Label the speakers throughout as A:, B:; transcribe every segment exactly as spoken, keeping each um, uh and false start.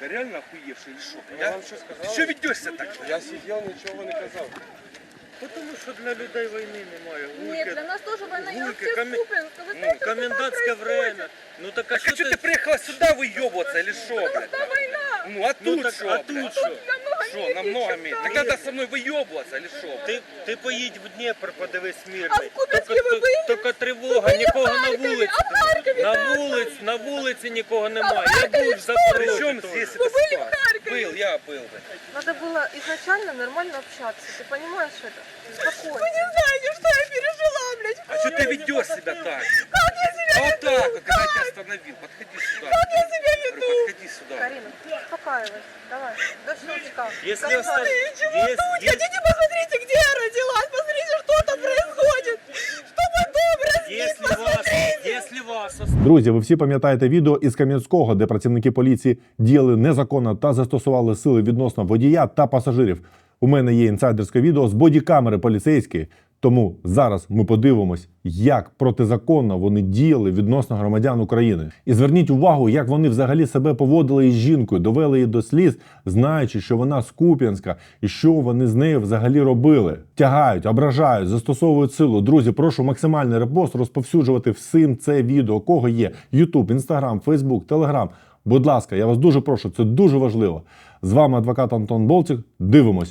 A: Ты реально охуевший или что?
B: Я вам что сказал?
A: Ты что ведешься так?
B: Я сидел, ничего не казал.
C: Потому що для людей війни немає.
D: Нет, для нас тоже война. Я
C: Гулька,
D: вообще
C: комен-
D: в Купинск. Вы
C: Ну,
D: знаете, что там
C: комендантське
D: происходит?
C: время. Ну так а
A: А
C: що
A: что
C: ти...
A: ты приехала сюда выебываться или что, блядь?
D: Там война.
A: Ну а
C: Ну
A: тут
C: так,
A: что,
C: а тут
A: блядь?
C: що?
D: Намного
A: Что,
D: меньше,
A: намного
D: чем
A: меньше?
D: там.
A: Так надо со мной выебываться или что?
C: Ти, ти поїдь в Дніпр, подивись мирний.
D: А в Куп'янську ви були?
C: Тільки тривога, нікого на вулиці.
D: А в Харькове?
C: На вулиці, на вулиці нікого немає. Я
D: Харкові
C: був в
D: що?
A: Причем
C: Запорожжі
A: здесь
C: теж.
A: это
D: были в
A: спа?
D: Харькове?
A: Был, я был, блядь.
E: Надо было изначально нормально общаться. Ты понимаешь это? Спокойно.
D: Вы не знаете, что я пережила, блядь.
A: А что ты ведешь себя так?
D: Как я себя
A: А вот
D: веду?
A: так вот, когда я тебя остановил, подходи сюда.
D: Как я себя
A: Говорю,
D: веду?
A: подходи сюда.
E: Карина, успокаивайся. Давай, до щелчка.
C: Если
E: Как
C: оста-
E: надо.
D: Чего
C: Есть-
D: тут?
C: есть-
D: Хотите, посмотрите, где я родилась. Посмотрите, что там происходит. Что потом разнится,
C: Якщо вас,
D: посмотрите.
C: якщо вас
F: Друзі, ви всі пам'ятаєте відео із Кам'янського, де працівники поліції діяли незаконно та застосували сили відносно водія та пасажирів. У мене є інсайдерське відео з бодікамери поліцейської, тому зараз ми подивимось, як протизаконно вони діяли відносно громадян України. І зверніть увагу, як вони взагалі себе поводили із жінкою, довели її до сліз, знаючи, що вона з Куп'янська, і що вони з нею взагалі робили. Тягають, ображають, застосовують силу. Друзі, прошу максимальний репост розповсюджувати всім це відео, кого є YouTube, Instagram, Facebook, Telegram. Будь ласка, я вас дуже прошу, це дуже важливо. З вами адвокат Антон Болтик. Дивимось.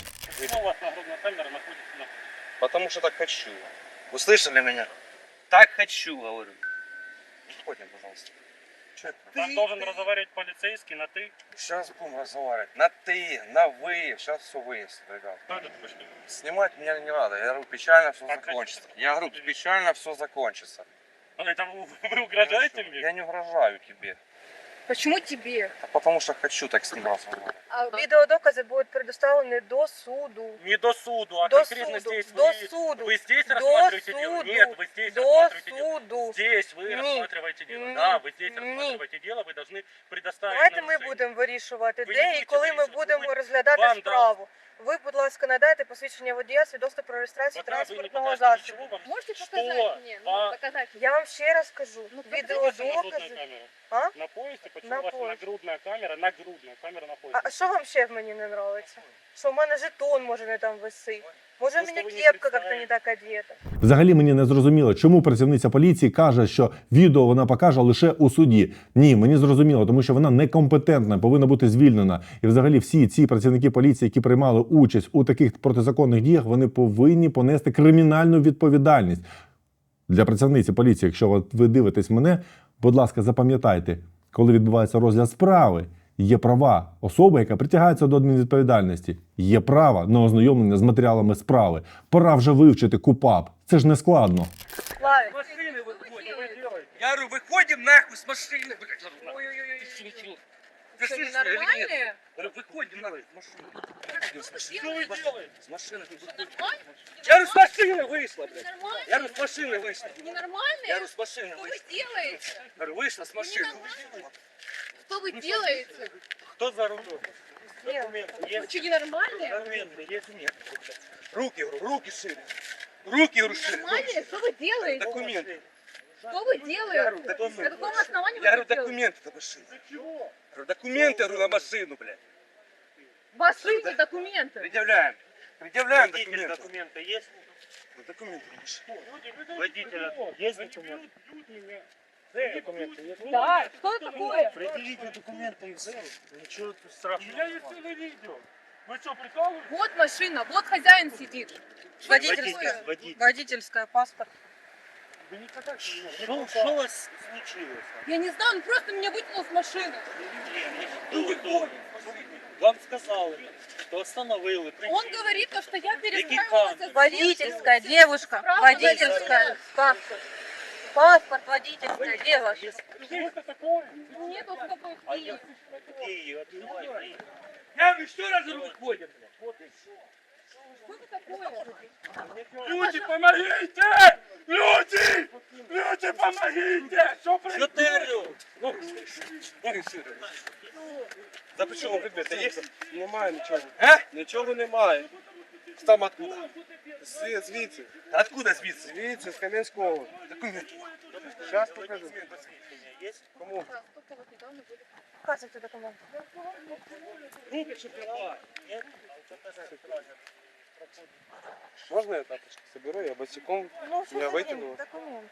A: Потому что так хочу. Услышали меня? Так хочу, говорю. Уходим, пожалуйста. Че это?
G: Вас должен разговаривать полицейский на «ты».
A: Сейчас будем разговаривать. На ты, на вы. Сейчас все выясним, ребят.
G: Кто это такой, что ли?
A: Снимать меня не надо. Я говорю, печально все
G: Как
A: закончится. Я говорю, печально все закончится.
G: А это вы вы угрожаете мне?
A: Я не угрожаю тебе.
E: Почему тебе?
A: А потому что хочу так сниматься.
E: А видеодоказы будут предоставлены до суду.
G: Не до суду, а
E: До
G: конкретно
E: суду,
G: здесь
E: до
G: вы,
E: суду,
G: вы здесь
E: до
G: рассматриваете дело?
E: суду,
G: Нет, вы здесь
E: до
G: рассматриваете дело.
E: суду.
G: Здесь вы
E: Ні.
G: рассматриваете дело.
E: Ні.
G: Да, вы здесь
E: Ні.
G: рассматриваете дело, вы должны предоставить
E: Давайте
G: нам
E: ми
G: решение.
E: будемо вирішувати,
G: Ви
E: де
G: не
E: і
G: будете
E: коли ми
G: вирішувати.
E: будемо
G: Ви-
E: розглядати
G: вам
E: справу. Ви, будь ласка, надайте посвідчення водія, свідоцтво про реєстрацію
G: Пока вы не
E: транспортного
G: покажете
E: засобу.
G: ничего, вам
D: Можете
G: что?
D: показать мне? Ну,
G: А-
D: показать.
E: Я вам ще раз кажу,
D: Ну,
G: Нагрудная
E: відеодокази.
G: камера.
E: А?
G: На поясе, почему
E: На
G: у вас
E: поясе.
G: нагрудная камера? Нагрудная камера на поясе.
E: А що вам ще в мені не подобається? Що в мене жетон може не там висить? Може в
G: Просто
E: мене
G: ви не
E: кепка як-то
G: представляєте.
E: не так одета?
F: Взагалі мені не зрозуміло, чому працівниця поліції каже, що відео вона покаже лише у суді. Ні, мені зрозуміло, тому що вона некомпетентна, повинна бути звільнена. І взагалі всі ці працівники поліції, які приймали участь у таких протизаконних діях, вони повинні понести кримінальну відповідальність. Для працівниці поліції, якщо от ви дивитесь мене, будь ласка, запам'ятайте, коли відбувається розгляд справи, є права особи, яка притягається до адмінвідповідальності. Є право на ознайомлення з матеріалами справи. Пора вже вивчити КУПАП. Це ж не складно.
E: Славік,
A: Машины выходим. Я говорю, выходим нахуй с машины. Ой-ой-ой. Ты
D: Что,
A: слышишь меня или нет?
D: ненормальные?
A: Говорю, выходим нахуй с машины. С машины.
G: Что вы делаете?
A: С машины выходим.
D: Нормально?
A: Я говорю, с машины вышла, блядь.
D: Ненормально?
A: Я говорю, с машины вышла.
D: Ненормальные?
A: Я говорю, с машины
D: Что вы
A: вышла.
D: делаете?
A: Говорю, вышла с машины.
D: Что вы делаете?
G: Кто за рулем?
E: ні.
G: Документы
D: Вы
G: есть?
D: что, ненормальные?
G: Документы есть?
A: Нет. Руки, говорю, руки шире. Руки, говорю, шире.
D: Нормальные? Что вы делаете?
A: Документы.
D: Что вы делаете?
A: документы.
D: На каком основании вы
A: Я говорю,
D: это делаете?
A: документы на машину. Говорю, документы, говорю, на машину, блядь.
D: Ваши документы.
A: Предъявляем. Предъявляем
G: Водитель
A: документы.
G: документы есть?
A: Ну, документы на машину.
G: Водителя есть документы? Документы есть?
D: Да, что это такое?
G: Предъявите документы и все. Ничего тут страшного.
C: Я есть целое видео. Вы что, прикалываетесь?
D: Вот машина, вот хозяин сидит.
E: Водительская.
G: Водитель.
E: Водительская, паспорт.
G: Что, что у вас случилось?
D: Я не знаю, он просто меня вытянул с машины.
G: Вам сказали, что остановили.
D: Он говорит, то, что я
G: Какие
D: перестраивалась.
G: камеры?
E: Водительская, девушка.
D: Справа
E: Водительская. Паспорт. Паспорт водительская, девушка.
G: Что это такое?
D: Нет, вот такой
G: А
D: фильм.
G: Какие? Открывай.
A: Я говорю, еще раз выходим, блядь.
G: Вот и все.
D: Что это такое?
C: Люди, помогите! Люди! Люди, помогите! Что
G: Что ты орешь?
A: Руки шире. За причому предмети є?
B: Немає нічого.
A: А?
B: Нічого немає.
A: Там откуда?
B: Зві- Звідси.
A: Откуда звідси?
B: Звідси, з Кам'янського.
A: Документи.
B: Зараз покажу.
G: Есть?
B: Кому?
E: Показуйте документи.
G: Руки шоколад. Нет? А у тебя тоже шоколад.
B: Можна я тапочки соберу? Я босиком.
E: Ну, що
B: Я
E: за
B: витягну.
E: документи?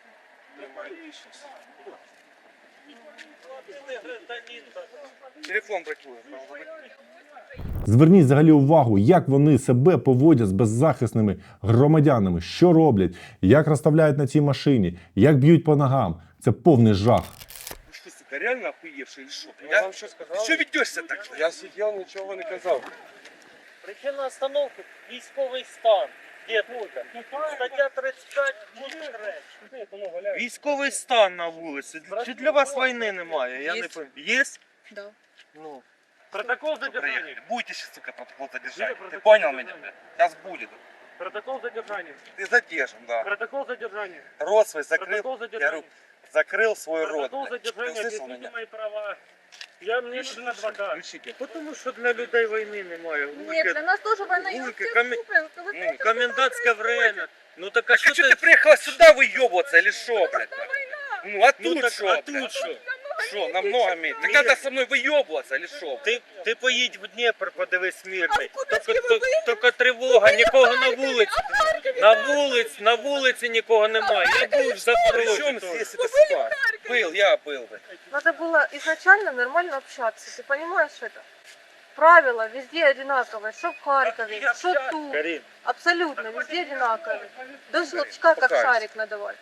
A: Телефон бракує.
F: Зверніть взагалі увагу, як вони себе поводять з беззахисними громадянами, що роблять, як розставляють на цій машині, як б'ють по ногам. Це повний жах.
A: Ну что, сука, реально охуевший или что?
B: Я
A: Я...
B: вам що
A: Ты
B: сказав?
A: что ведешься так?
B: Я сидів, нічого не казав.
G: Причина остановки – військовий стан. Дід, стаття тридцять п'ять, пункт три.
A: Військовий стан на вулиці. Чи для вас війни немає? Я не пам'ятаю. Є?
D: Да.
A: Ну,
C: Протокол
A: приїхали.
C: задержания.
A: Будете сейчас, сука, протокол задержать.
C: Где
A: Ты
C: протокол
A: понял меня?
C: задержания?
A: Сейчас будет.
C: Протокол задержания.
A: Ты задержан, да.
C: Протокол задержания.
A: Рот свой закрыл.
C: Протокол
A: Я говорю,
C: задержания.
A: закрыл свой рот.
C: Протокол
A: блядь. Ты
C: задержания.
A: услышал
C: Объясните
A: меня?
C: мои права. Я мне нужен адвокат.
A: Включите.
C: Потому що для людей війни немає.
D: Нет, для нас тоже война. Я
C: Вулики,
D: всех
C: коми-
D: слушаю, вы
C: Ну,
D: знаете,
C: комендантське время. Ну так а
A: Так
C: що
A: а что
C: ти...
A: ты приехала сюда выебываться или что, блядь? Ну а
C: Ну
A: тут
C: так,
A: что,
C: а
A: блядь?
C: тут що?
A: Что, намного меньше? Ты когда со мной выебываться или что?
C: Ти, ти поїдь в Дніпр, подивись мирний.
D: А в Куп'янській
C: Тільки,
D: ви
C: тільки- тільки тривога, нікого на вулиці. На вулиці, на вулиці нікого немає. Я був в
A: Причем
C: Запорожжі.
A: здесь это спа? Был, я был бы.
E: Надо было изначально нормально общаться. Ты понимаешь это? Правила везде одинаковые. Что в Харькове, что тут.
C: Карін,
E: Абсолютно, везде одинаковые. До щелчка как
A: Покажешь.
E: шарик надавать.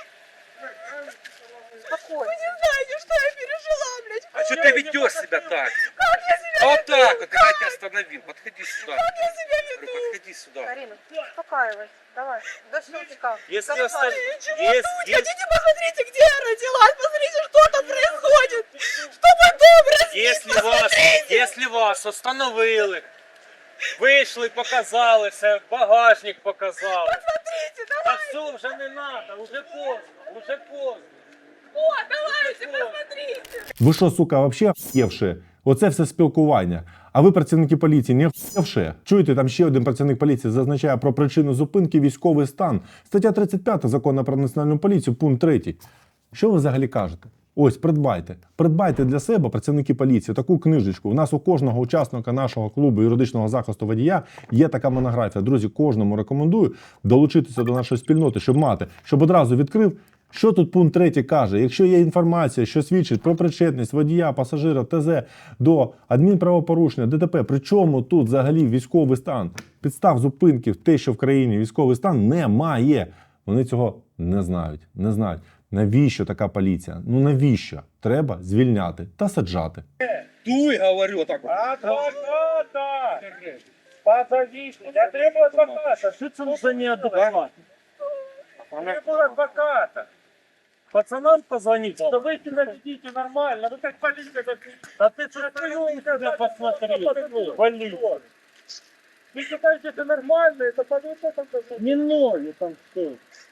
E: Спокойно.
D: знаете, что я пережила, блядь?
A: А что ты ведешь себя так? Вот так вот, когда я тебя остановил. Подходи сюда. Говорю, подходи сюда.
E: Карина, успокаивайся. Давай, до щелчка.
C: якщо
E: Как
C: оста...
E: шарик.
C: є, є,
D: Хотите, посмотрите, где я родилась, посмотрите, что там происходит. Что мой дом разбит,
C: якщо вас, якщо вас остановили, вийшли, показали все, багажник показали.
D: посмотрите,
C: А
D: давай,
C: все, вже не треба, вже поздно, вже поздно.
D: вот, давайте, посмотрите.
F: Ви що, сука, вообще охуєвши? Оце все спілкування. А ви, працівники поліції, не охуєвши? Чуєте, там ще один працівник поліції зазначає про причину зупинки військовий стан. Стаття тридцять п'ять Закону про національну поліцію, пункт третій. Що ви взагалі кажете? Ось, придбайте. Придбайте для себе, працівники поліції, таку книжечку. У нас у кожного учасника нашого клубу юридичного захисту водія є така монографія. Друзі, кожному рекомендую долучитися до нашої спільноти, щоб мати, щоб одразу відкрив. Що тут пункт третій каже? Якщо є інформація, що свідчить про причетність водія, пасажира, ТЗ до адмінправопорушення, ДТП, при чому тут взагалі військовий стан? Підстав зупинки в те, що в країні військовий стан немає. Вони цього не знають. Не знають. Навіщо така поліція? Ну навіщо? Треба звільняти та саджати.
A: Дуй, говорю, так вот.
C: Адвоката! Позовите, я требую адвоката. Что это за неадекват? Требую адвоката. Пацанам позвонить, что вы себя ведите нормально, вы как полиция. А ты что твою тебя посмотри, вали. Вы считаете это нормально, это полиция там не ноги там что.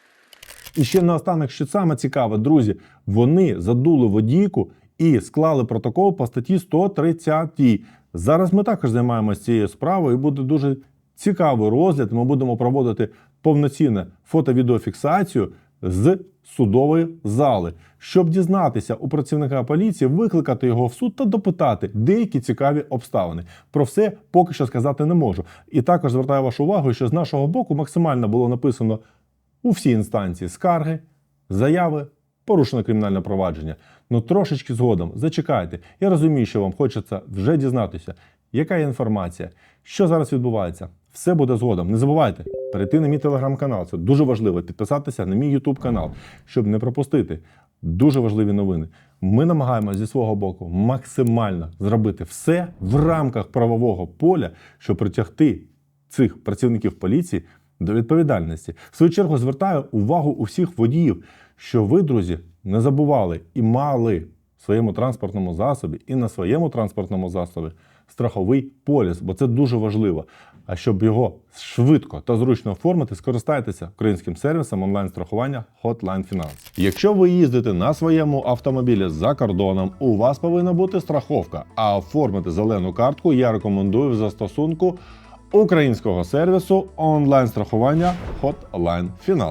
F: І ще наостанок, що саме цікаве, друзі, вони задули водійку і склали протокол по статті сто тридцять. Зараз ми також займаємося цією справою і буде дуже цікавий розгляд. Ми будемо проводити повноцінну фото-відеофіксацію з судової зали, щоб дізнатися у працівника поліції, викликати його в суд та допитати деякі цікаві обставини. Про все поки що сказати не можу. І також звертаю вашу увагу, що з нашого боку максимально було написано у всі інстанції скарги, заяви, порушено кримінальне провадження. Ну трошечки згодом, зачекайте. Я розумію, що вам хочеться вже дізнатися, яка є інформація, що зараз відбувається. Все буде згодом. Не забувайте перейти на мій телеграм-канал. Це дуже важливо. Підписатися на мій ютуб канал, щоб не пропустити дуже важливі новини. Ми намагаємося зі свого боку максимально зробити все в рамках правового поля, щоб притягти цих працівників поліції до відповідальності. В свою чергу звертаю увагу усіх водіїв, що ви, друзі, не забували і мали в своєму транспортному засобі і на своєму транспортному засобі страховий поліс, бо це дуже важливо. А щоб його швидко та зручно оформити, скористайтеся українським сервісом онлайн-страхування Hotline Finance. Якщо ви їздите на своєму автомобілі за кордоном, у вас повинна бути страховка, а оформити зелену картку я рекомендую в застосунку українського сервісу онлайн-страхування Hotline Finance.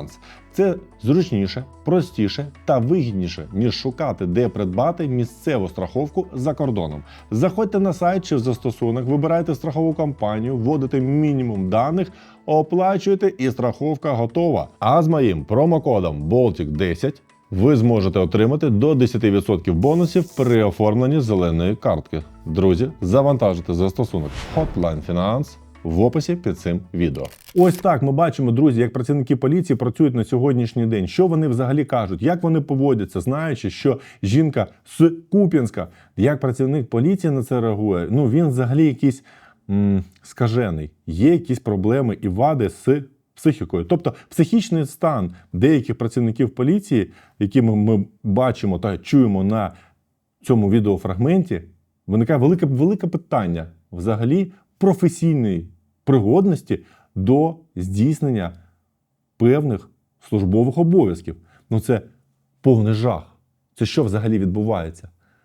F: Це зручніше, простіше та вигідніше, ніж шукати, де придбати місцеву страховку за кордоном. Заходьте на сайт чи в застосунок, вибирайте страхову компанію, вводите мінімум даних, оплачуєте і страховка готова. А з моїм промокодом болтік десять ви зможете отримати до десять відсотків бонусів при оформленні зеленої картки. Друзі, завантажуйте застосунок Hotline Finance в описі під цим відео. Ось так ми бачимо, друзі, як працівники поліції працюють на сьогоднішній день. Що вони взагалі кажуть, як вони поводяться, знаючи, що жінка з Куп'янська, як працівник поліції на це реагує, ну він взагалі якийсь м- скажений. Є якісь проблеми і вади з психікою. Тобто психічний стан деяких працівників поліції, які ми, ми бачимо та чуємо на цьому відеофрагменті, виникає велике, велике питання взагалі професійної пригодності до здійснення певних службових обов'язків. Ну це повний жах. Це що взагалі відбувається?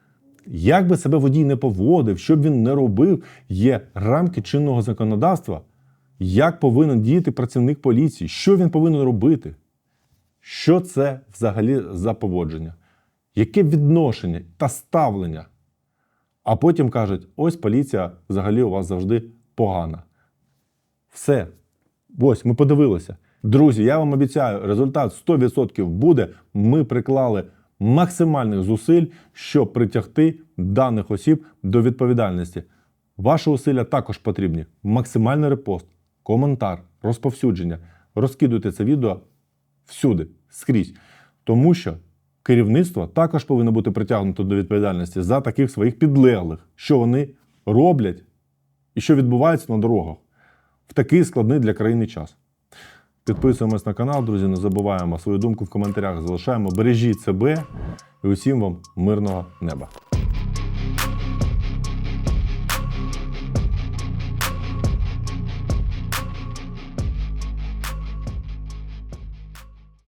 F: Як би себе водій не поводив, що б він не робив, є рамки чинного законодавства, як повинен діяти працівник поліції, що він повинен робити, що це взагалі за поводження, яке відношення та ставлення. А потім кажуть, ось поліція взагалі у вас завжди погана. Все. Ось, ми подивилися. Друзі, я вам обіцяю, результат сто відсотків буде. Ми приклали максимальних зусиль, щоб притягти даних осіб до відповідальності. Ваші зусилля також потрібні. Максимальний репост, коментар, розповсюдження. Розкидуйте це відео всюди, скрізь. Тому що керівництво також повинно бути притягнуто до відповідальності за таких своїх підлеглих, що вони роблять і що відбувається на дорогах в такий складний для країни час. Підписуємось на канал, друзі, не забуваємо свою думку в коментарях залишаємо. Бережіть себе і усім вам мирного неба.